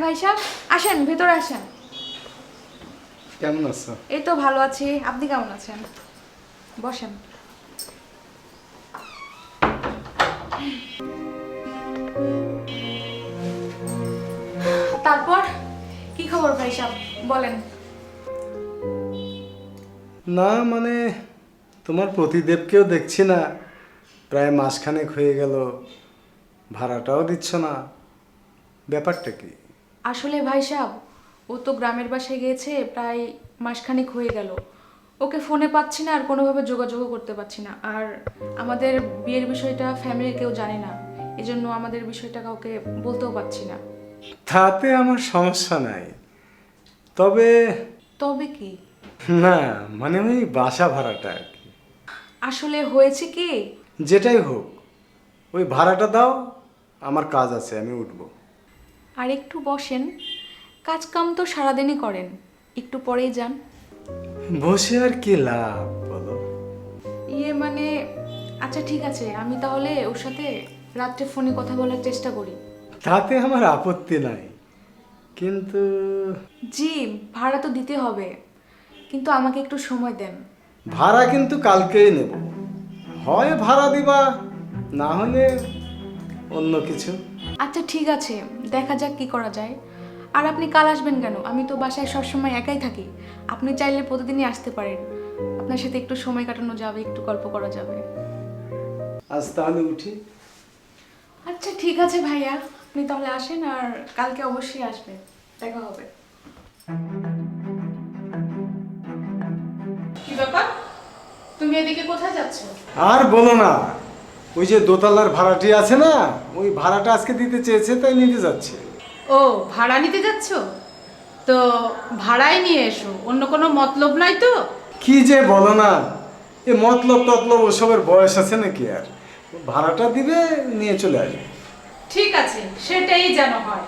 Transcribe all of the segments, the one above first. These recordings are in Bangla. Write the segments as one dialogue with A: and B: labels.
A: ভাই সাহেব, আসেন ভেতরে আসেন।
B: কেমন আছো?
A: এই তো ভালো আছি, আপনি কেমন আছেন? বসেন। তারপর কি খবর ভাই সাহেব, বলেন।
B: না মানে তোমার প্রতিদেবকেও দেখছি না, প্রায় মাসখানেক হয়ে গেল, ভাড়াটাও দিচ্ছ না, ব্যাপারটা কি?
A: আসলে ভাই সাহেব, ও তো গ্রামের বাসায় গিয়েছে প্রায় মাসখানেক হয়ে গেল। ওকে ফোনে পাচ্ছি না আর কোনোভাবে যোগাযোগও করতে পারছি না। আর আমাদের বিয়ের বিষয়টা ফ্যামিলির কেউ জানে না, এজন্য আমাদের বিষয়টা কাউকে বলতেও পারছি না।
B: তাতে আমার সমস্যা নাই, তবে
A: তবে কি?
B: না মানে ওই বাসা ভাড়াটা আর কি।
A: আসলে হয়েছে কি,
B: যেটাই হোক, ওই ভাড়াটা দাও, আমার কাজ আছে, আমি উঠবো।
A: আর একটু বসেন, কাজ কাম তো সারাদিনই করেন, একটু পরেই যান।
B: বসে আর কি লাভ বলো?
A: ইয়ে মানে, আচ্ছা ঠিক আছে, আমি তাহলে ওর সাথে রাত্রে ফোনে কথা বলার চেষ্টা করি।
B: তাতে আমার আপত্তি নাই, কিন্তু
A: জি, ভাড়া তো দিতে হবে, কিন্তু আমাকে একটু সময় দেন।
B: ভাড়া কিন্তু কালকেই নেব, হয় ভাড়া দিবা, না হলে অন্য কিছু।
A: আচ্ছা ঠিক আছে, দেখা যাক কি করা যায়। আর আপনি কাল আসবেন কেন? আমি তো বাসায় সবসময় একাই থাকি, আপনি চাইলে প্রতিদিনই আসতে পারেন। আপনার সাথে একটু সময় কাটানো যাবে, একটু গল্প করা যাবে।
B: আজ তাহলে উঠি।
A: আচ্ছা ঠিক আছে ভাইয়া, আপনি তাহলে আসেন, আর কালকে অবশ্যই আসবেন, দেখা হবে।
C: কি ব্যাপার, তুমি এদিকে কোথায় যাচ্ছ?
B: আর বলো না, ওই যে দোতলার ভাড়াটি আছে না, ওই ভাড়াটা আজকে দিতে চেয়েছে, তাই নিতে যাচ্ছে।
C: ও, ভাড়া নিতে যাচ্ছ? তো ভাড়াই নিয়ে এসো, অন্য কোনো মতলব নাই তো?
B: কি যে বলো না, এ মতলব টতলব ওসবের বয়স আছে নাকি আর? ভাড়াটা দিবে, নিয়ে চলে আসবে।
C: ঠিক আছে, সেটাই যেন হয়।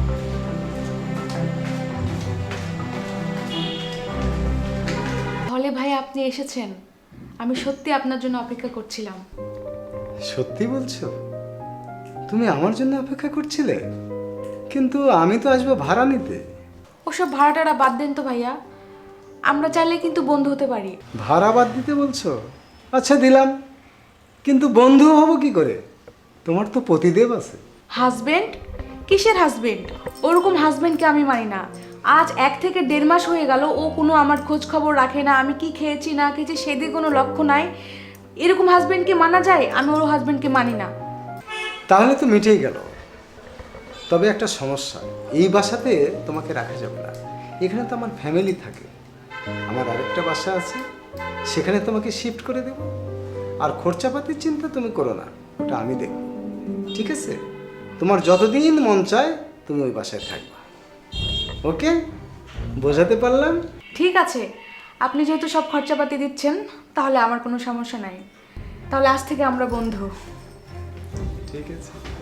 A: তাহলে ভাই আপনি এসেছেন, আমি সত্যি আপনার জন্য অপেক্ষা করছিলাম।
B: সত্যি বলছো? তুমি আমার জন্য অপেক্ষা করছিলে? কিন্তু আমি তো আসবো ভাড়া নিতে।
A: ওসব ভাড়াটারা বাদ দেন তো ভাইয়া, আমরা চাইলে কিন্তু বন্ধু হতে পারি।
B: ভাড়া বাদ দিতে বলছো? আচ্ছা দিলাম, কিন্তু বন্ধু হব কি করে? তোমার তো পতিদেব আছে।
A: হাজবেন্ড? কিসের হাজবেন্ড? ওরকম হাজবেন্ডকে আমি মানি না। আজ 1 থেকে 1.5 মাস হয়ে গেল, ও কোনো আমার খোঁজ খবর রাখে না, আমি কি খেয়েছি না খেয়েছি সেদিকে কোনো লক্ষ্য নাই। এরকম হাজবেন্ডকে মানা যায়? আমি ওর হাজবেন্ডকে মানি না।
B: তাহলে তো মিটেই গেল। তবে একটা সমস্যা, এই বাসাতে তোমাকে রাখা যাবে না। এখানে তো আমার ফ্যামিলি থাকে, আমার আরেকটা বাসা আছে, সেখানে তোমাকে শিফট করে দেব। আর খরচাপাতির চিন্তা তুমি করো না, ওটা আমি দেখব। ঠিক আছে? তোমার যতদিন মন চায় তুমি ওই বাসায় থাকবা। ওকে, বোঝাতে পারলাম?
A: ঠিক আছে, আপনি যেহেতু সব খরচাপাতি দিচ্ছেন, তাহলে আমার কোনো সমস্যা নাই। তাহলে আজ থেকে আমরা বন্ধু।
B: ঠিক আছে।